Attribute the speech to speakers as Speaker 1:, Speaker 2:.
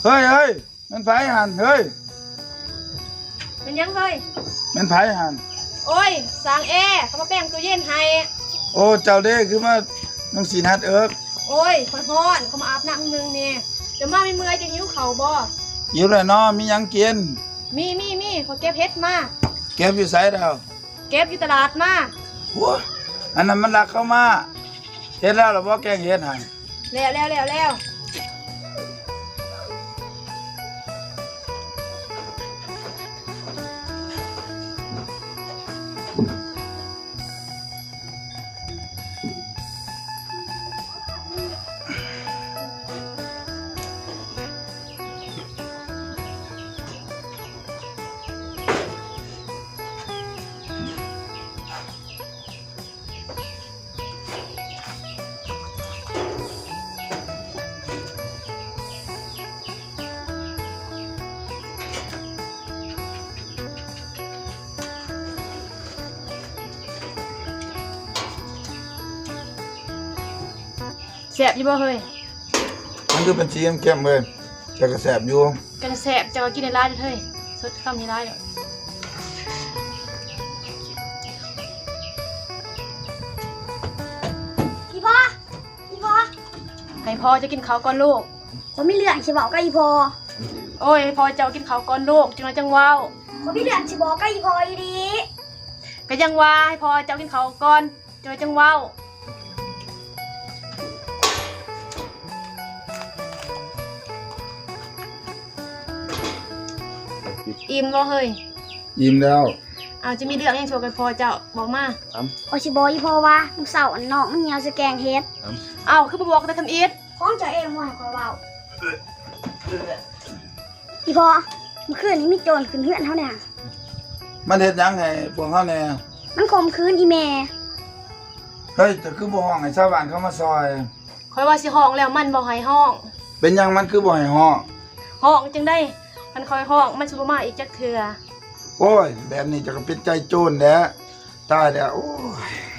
Speaker 1: เฮ้ยมันไผหันเฮ้ย
Speaker 2: เป็นยังเฮ้ย
Speaker 1: มันไผหัน
Speaker 2: โอ้ยสร้างแอร์เขามาแป้งตู้เย็นให้
Speaker 1: โอ้เจ้าเด้คือมาน้องสีนัดเอิก
Speaker 2: โอ้ยค่อยฮ้อนเขามาอาบน้ำนึงนี่เดี๋ยวมาไม่เมื่อยจะหิวเข่าบ่
Speaker 1: อยู่เลยเนาะมีหยังกิน
Speaker 2: มีเขาเก็บเฮ็ดมา
Speaker 1: เก็บอยู่ไสดาว
Speaker 2: เก็บอยู่ตลาดมา
Speaker 1: โอ้อันนั้นมันลักเข้ามาเฮ็ดแล้วหรอบ่แกงเฮ็ดให้
Speaker 2: แล้วแสบอยู่บ่เฮ้ย
Speaker 1: มันคือเป็นสีเข้มๆเว้ยแต่ก็แสบอยู่
Speaker 2: กันแสบจะกินในร้านเฮ้ยสดคำในร้านเด้อ
Speaker 3: พี่พ่อ
Speaker 2: ให้พ่อจะกินข้าวก่อนลูก
Speaker 3: ผมมีเรื่องสิบอกกับอีพ่อ
Speaker 2: โอ้ยให้พ่อเจ้ากินข้าวก่อนลูกจังว้าว
Speaker 3: ผมมีเรื่องสิบอกกับอีพ่ออีดี
Speaker 2: ก็ยังว่าให้พ่อเจ้ากินข้าวก่อนจังว้าวอิ่มบ่เฮ้ย
Speaker 1: อิ่มแล้ว
Speaker 2: เอาจะมีเรื่องยังโชว์กันพอเจ้าบอกมา
Speaker 3: พอสิบอกอีพ่อว่ามึงเสาร์น้องมึงเหี่ยวจะแกงเฮ็ด
Speaker 2: เอาคือบ่บอกแต่ทำอีท
Speaker 3: ของเจ้าเองว่าให้ข้อยเว้าอีพ่อเมื่อคืนนี้มีโจรขึ้นเฮือนเฮาเนี่ย
Speaker 1: มันเฮ็ดหยังให้พวกเฮาแน่
Speaker 3: มันข่มขืนอีแม่
Speaker 1: เฮ้ยแต่คือบ่ห้องให้ชาวบ้านเขามาซอย
Speaker 2: ข่อยว่าสิห้องแล้วมันบ่ให้ห้อง
Speaker 1: เป็นหยังมันคือบ่ให้ห้อง
Speaker 2: จังได้มันคอยห้องมันสิบ่มาอีกจักเทื่อ
Speaker 1: โอ้ยแบบนี้จะก็ปิดใจโจรแหละตายแล้วโอ้ย